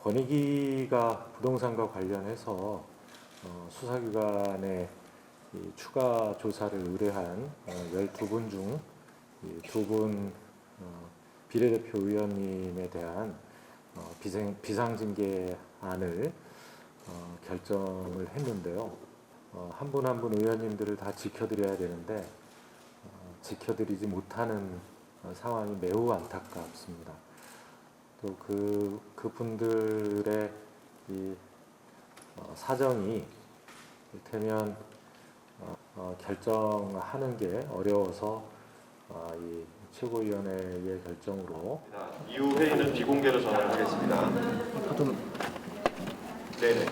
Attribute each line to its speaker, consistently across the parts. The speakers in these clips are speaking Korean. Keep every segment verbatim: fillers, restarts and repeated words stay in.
Speaker 1: 권익위가 부동산과 관련해서 어, 수사기관에 이 추가 조사를 의뢰한 어, 열두 분 중 두 분 어, 비례대표 의원님에 대한 어, 비상, 비상징계안을 어, 결정을 했는데요. 어, 한 분 한 분 의원님들을 다 지켜드려야 되는데 어, 지켜드리지 못하는 어, 상황이 매우 안타깝습니다. 또 그 그분들의 이 어, 사정이 이를테면 어, 어, 결정하는 게 어려워서 어, 이 최고위원회의 결정으로
Speaker 2: 이후 회의는 비공개로 전환을 하겠습니다. 네네.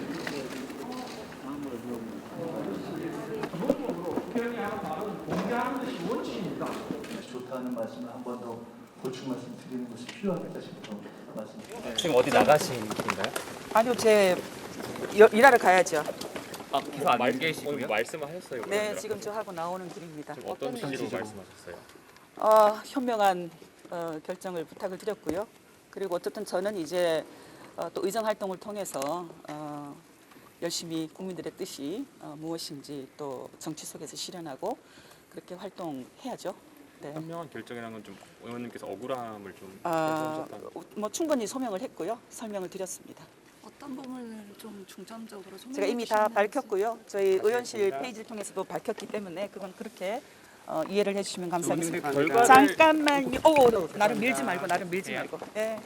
Speaker 3: 공개하는 것이 원칙입니다.
Speaker 4: 좋다는 말씀을 한 번 더 보충 말씀 드리는 것이 필요하겠다 싶어서 말씀드립니다.
Speaker 5: 지금 어디 나가신 길인가요?
Speaker 6: 아니요, 제 여- 일하러 가야죠.
Speaker 5: 아, 계속 안 계시고요? 오늘 말씀을 하셨어요?
Speaker 6: 네,
Speaker 5: 그러면?
Speaker 6: 지금 저 하고 나오는 길입니다.
Speaker 5: 지금 어떤 취지로 말씀하셨어요?
Speaker 6: 어, 현명한 어, 결정을 부탁을 드렸고요. 그리고 어쨌든 저는 이제 어, 또 의정 활동을 통해서 어, 열심히 국민들의 뜻이 어, 무엇인지 또 정치 속에서 실현하고 그렇게 활동해야죠. 네.
Speaker 5: 현명한 결정이라는 건 좀 의원님께서 억울함을 좀
Speaker 6: 아,
Speaker 5: 해주셨다는
Speaker 6: 뭐 충분히 소명을 했고요. 설명을 드렸습니다.
Speaker 7: 어떤 부분을 좀 중점적으로 소개해
Speaker 6: 제가 이미 다 밝혔고요. 저희 의원실 페이지를 통해서도 밝혔기 때문에 그건 그렇게 어, 이해를 해주시면 감사하겠습니다.
Speaker 5: 결과를-
Speaker 6: 잠깐만요. 오, 나를 밀지 말고 나를 밀지
Speaker 5: 예.
Speaker 6: 말고. 예.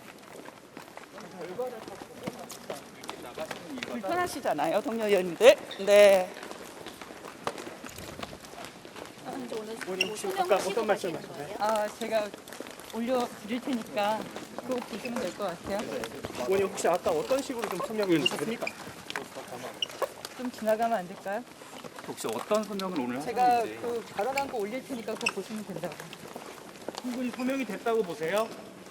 Speaker 6: 불편하시잖아요, 동료 의원님들. 네.
Speaker 7: 오늘 혹시 아까 어떤 말씀하셨나요?
Speaker 6: 아, 제가 올려 드릴 테니까 그거 보시면 될 것 같아요.
Speaker 3: 의원님 혹시 아까 어떤 식으로 좀 설명을 해주셨습니까?
Speaker 6: 좀 지나가면 안 될까요?
Speaker 5: 혹시 어떤 소명을 오늘
Speaker 6: 제가
Speaker 5: 하셨는지
Speaker 6: 그 발언한 거 올릴 테니까 그거 보시면 된다고.
Speaker 3: 충분히 소명이 됐다고 보세요?